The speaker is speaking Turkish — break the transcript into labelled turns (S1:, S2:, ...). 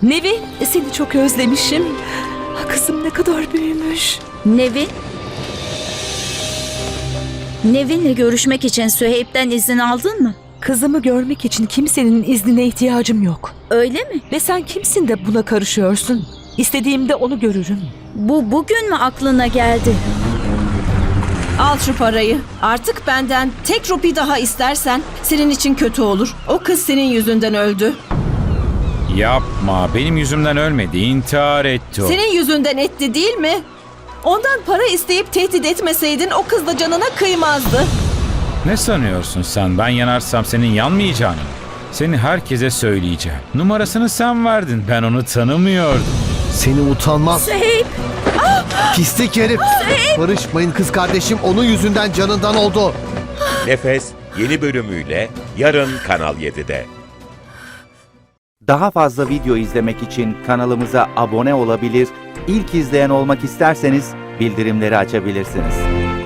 S1: Nevin, seni çok özlemişim. Kızım ne kadar büyümüş.
S2: Nevin? Nevin'le görüşmek için Süheyb'den izin aldın mı?
S1: Kızımı görmek için kimsenin iznine ihtiyacım yok.
S2: Öyle mi?
S1: Ve sen kimsin de buna karışıyorsun? İstediğimde onu görürüm.
S2: Bu bugün mü aklına geldi?
S3: Al şu parayı. Artık benden tek rupi daha istersen senin için kötü olur. O kız senin yüzünden öldü.
S4: Yapma, benim yüzümden ölmedi, intihar etti o.
S3: Senin yüzünden etti değil mi? Ondan para isteyip tehdit etmeseydin o kız da canına kıymazdı.
S4: Ne sanıyorsun sen? Ben yanarsam senin yanmayacağını mı? Seni herkese söyleyeceğim. Numarasını sen verdin, ben onu tanımıyordum.
S5: Seni utanmaz.
S2: Süheyb!
S5: Pislik herif. Barışmayın, kız kardeşim onun yüzünden canından oldu.
S6: Nefes yeni bölümüyle yarın Kanal 7'de.
S7: Daha fazla video izlemek için kanalımıza abone olabilir, ilk izleyen olmak isterseniz bildirimleri açabilirsiniz.